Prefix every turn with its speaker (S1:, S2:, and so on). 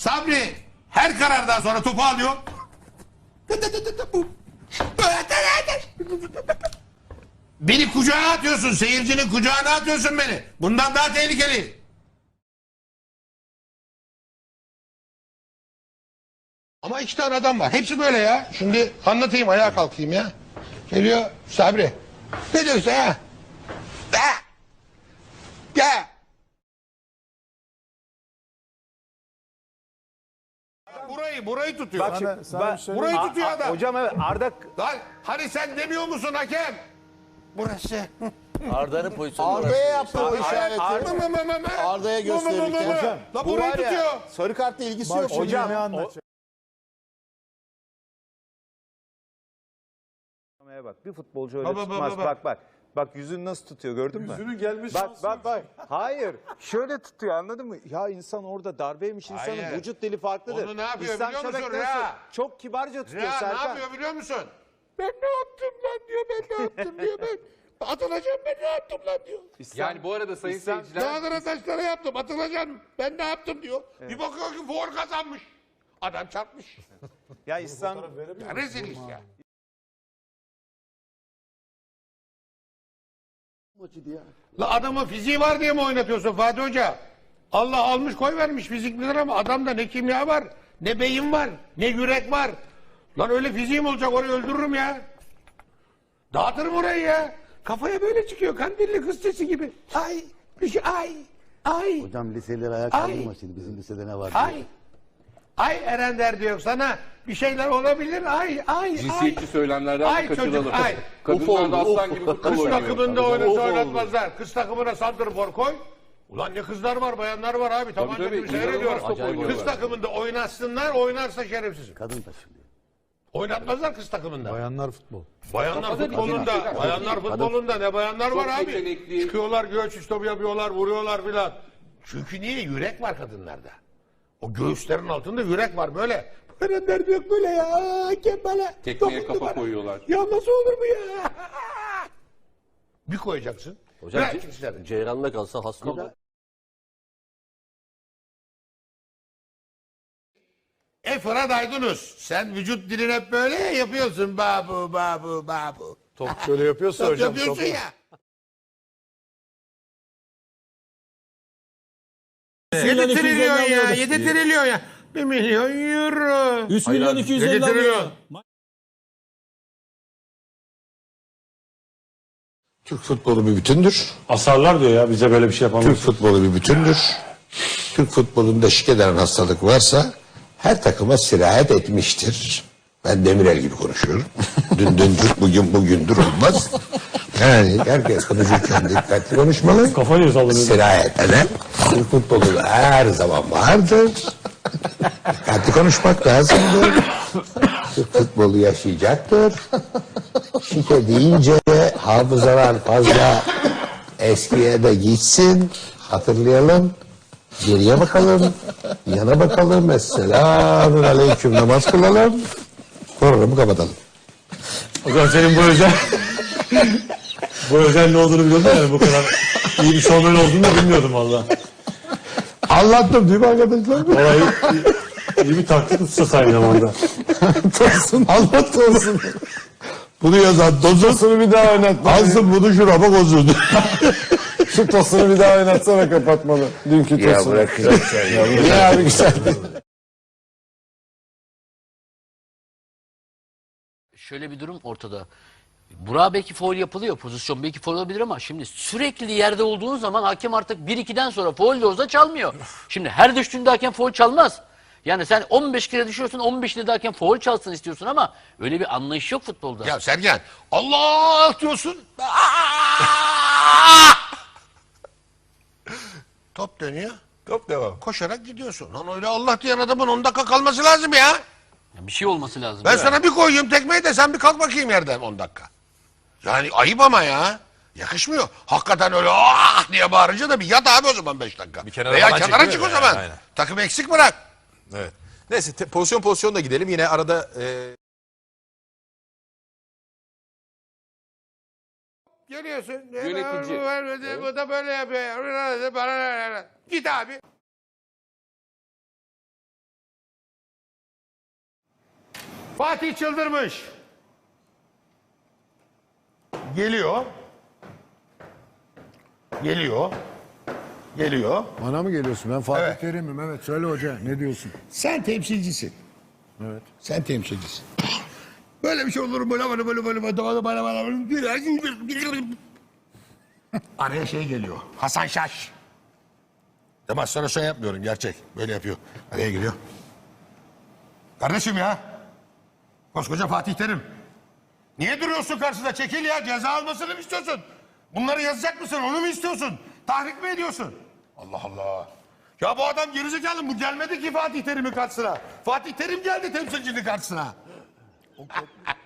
S1: Sabri her karardan sonra topu alıyor. Beni kucağına atıyorsun. Seyircinin kucağına atıyorsun beni. Bundan daha tehlikeli. Ama iki tane adam var. Hepsi böyle ya. Şimdi anlatayım, ayağa kalkayım ya. Geliyor Sabri. Ne diyorsun ya? Gel. Burayı tutuyor.
S2: Bak şimdi,
S1: Burayı tutuyor adam.
S2: Hocam evet Arda
S1: Lan hani sen demiyor musun hakem? Burası.
S3: Arda'nın pozisyonu
S4: Arda'ya yaptı o işareti.
S1: Arda'ya
S4: Arda'ya gösterirken.
S1: Hocam, la
S4: Bu
S1: burayı
S4: var ya,
S1: tutuyor.
S4: sarı kartla ilgisi yok.
S2: hocam bak bir futbolcu öyle tutmaz. Bak yüzünü nasıl tutuyor gördün mü?
S5: Yüzünün gelmiş
S2: Bak. Hayır. Şöyle tutuyor anladın mı? Ya insan orada darbeymiş insanın
S1: Hayır.
S2: vücut dili farklıdır.
S1: Onu ne yapıyor
S2: İhsan
S1: biliyor musun
S2: Şebek
S1: Rea?
S2: nasıl? Çok kibarca tutuyor
S1: Ya ne
S2: Serkan.
S1: yapıyor biliyor musun? Ben ne yaptım lan diyor, ben ne yaptım diyor, ben atılacağım, ben ne yaptım lan diyor.
S5: Yani bu arada sayın seyirciler,
S1: Dağlara taşlara yaptım, atılacağım, ben ne yaptım diyor. Bir bakıyor ki for kazanmış. Adam çarpmış.
S2: Ya İhsan
S1: Ya rezil iş ya. La adamın fiziği var diye mi oynatıyorsun Fatih Hoca? Allah almış koy vermiş fiziklidir ama adamda ne kimya var, ne beyin var, ne yürek var. Lan öyle fiziğim olacak, orayı öldürürüm ya. Dağıtırım orayı ya. Kafaya böyle çıkıyor, kandilli kız sesi gibi. Ay, bir şey, ay.
S6: Hocam liseleri ayağa kaldırma şimdi. Bizim lisede ne var?
S1: Ay. Ay Eren derdi yok sana. Bir şeyler olabilir. Ay.
S5: cinsiyetçi söylemlerden
S1: Ay
S5: de kaçınalım.
S1: çocuk, ay.
S5: Kadınlar da aslan gibi futbol
S1: Kız
S5: oynuyor.
S1: takımında oynatmazlar. Kız takımına santrfor koy. Ulan ne kızlar var, bayanlar var abi. Tabanca
S5: tabii,
S1: gibi seyrediyorum.
S5: inanılmaz top oynuyorlar.
S1: Kız takımında oynatsınlar, oynarsa şerefsiz.
S6: Kadın taşınıyor.
S1: Oynatmazlar kız takımında.
S7: Bayanlar futbol.
S1: Bayanlar futbolunda ne bayanlar var
S5: Çok
S1: abi.
S5: yetenekli.
S1: Çıkıyorlar göğüs istop yapıyorlar, vuruyorlar filan. Çünkü niye? Yürek var kadınlarda. O göğüslerin altında yürek var böyle. Böyle derdi yok böyle ya. Hakem böyle.
S5: Tekmeye
S1: dokundu
S5: kafa
S1: bana.
S5: koyuyorlar.
S1: Ya nasıl olur bu ya? Bir koyacaksın.
S3: Hocam
S1: Bırak işlerini.
S3: Ceyran'la kalsa hasta olur.
S1: Fırat Aydınus. Sen vücut dilini hep böyle yapıyorsun. Babu.
S7: Top şöyle yapıyorsa
S1: Top
S7: hocam.
S1: yapıyorsun ya. 7 trilyon ya. 7 trilyon ya. 1 milyon euro.
S7: 3 milyon 250
S1: 7 trilyon.
S8: Türk futbolu bir bütündür.
S7: Asarlar diyor ya bize böyle bir şey yapamaz.
S8: Türk futbolu bir bütündür. Türk futbolunda şik eden hastalık varsa her takıma sirayet etmiştir. Ben Demirel gibi konuşuyorum. Dündür, bugündür olmaz. Yani herkes konuşurken dikkatli konuşmalı.
S7: Kafayı sallanıyor.
S8: Sirayet eden Türk futbolu her zaman vardır. Dikkatli konuşmak lazımdır. Türk futbolu yaşayacaktır. Şike deyince hafızalar fazla eskiye de gitsin. Hatırlayalım. Geriye bakalım. Yana bakalım. Esselamun aleyküm namaz kılalım. Programı kapatalım.
S7: Hocam senin bu özel bu özel ne olduğunu biliyordum yani bu kadar iyi bir şovmen olduğunu da bilmiyordum valla.
S8: Anlattım değil mi arkadaşlar?
S7: Olayı iyi bir taktik tutsa aynı zamanda.
S8: Tosun. Anlat Tosun. Bunu yazan Tosun'u bir daha oynat. Alsın bunu şurama bozuldu.
S7: Şu tosunu bir daha oynatsana kapatmalı. Dünkü tosunu.
S8: Ya bırak güzel. Niye abi güzel?
S9: Şöyle bir durum ortada. Burak'a belki faul yapılıyor. Pozisyon belki faul olabilir ama şimdi sürekli yerde olduğun zaman hakem artık 1-2'den sonra faul de olsa çalmıyor. Şimdi her düştüğünde hakem faul çalmaz. Yani sen 15 kere düşüyorsun, 15'te de hakem faul çalsın istiyorsun ama öyle bir anlayış yok futbolda.
S1: Ya Sergen, Allah diyorsun. Top dönüyor.
S8: Top devam.
S1: Koşarak gidiyorsun. Lan öyle Allah diyen adamın 10 dakika kalması lazım ya.
S9: Ya bir şey olması lazım.
S1: Ben sana bir koyayım tekmeyi de sen bir kalk bakayım yerden 10 dakika. Yani ayıp ama ya. Yakışmıyor. Hakikaten öyle diye bağırınca da bir yat abi o zaman 5 dakika.
S5: Bir kenara
S1: Veya
S5: falan
S1: kenara
S5: çekiliyor
S1: çık o
S5: yani,
S1: zaman.
S5: aynen.
S1: Takım eksik bırak.
S5: Evet. Neyse pozisyon da gidelim. Yine arada
S1: Geliyorsun.
S5: Yönetici.
S1: Bu da böyle yapıyor. Git abi. Fatih çıldırmış. Geliyor. Geliyor.
S10: Bana mı geliyorsun? Ben Fatih
S1: Evet.
S10: Terim'im. Evet söyle hoca ne diyorsun?
S1: Sen temsilcisin.
S10: Evet.
S1: Sen temsilcisin. Böyle bir şey olur mu? Araya şey geliyor. Hasan Şaş. Demasyon şey yapmıyorum gerçek. Böyle yapıyor. Araya giriyor. Kardeşim ya. Koskoca Fatih Terim. Niye duruyorsun karşısında? Çekil ya. Ceza almasını mı istiyorsun? Bunları yazacak mısın? Onu mu istiyorsun? Tahrik mi ediyorsun? Allah Allah. Ya bu adam gerizekalı. Bu gelmedi ki Fatih Terim'in karşısına. Fatih Terim geldi temsilcinin karşısına.